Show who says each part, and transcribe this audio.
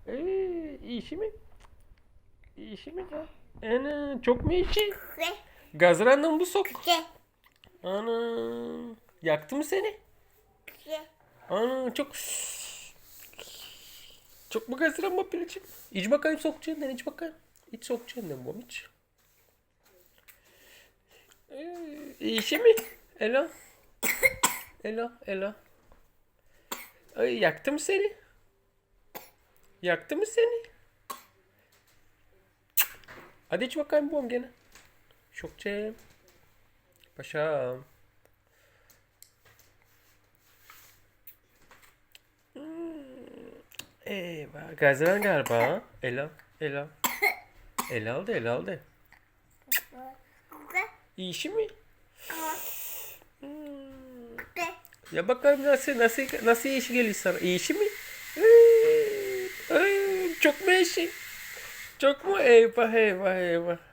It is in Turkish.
Speaker 1: İşi mi? İşi mi ya? Ana çok mu işi? Gazrandan bu sok. Ana yaktı mı seni? Ana çok mu gazran mı Pelin'ciğim? İç bakayım sokacağından iç bakayım. İç sokacağından bu iç. İşi mi? Ela. Ela. Ay yaktı mı seni? Yaktı mı seni? Hadi iç bakayım bu gene. Şokçem. Paşam. Eyvah. Gazran galiba. Ha? Ela. Ele aldı. İşi mi? Ya bakalım nasıl işi geliyor sana? İşi mi? Çok mu işi? Çok mu? Eyvah.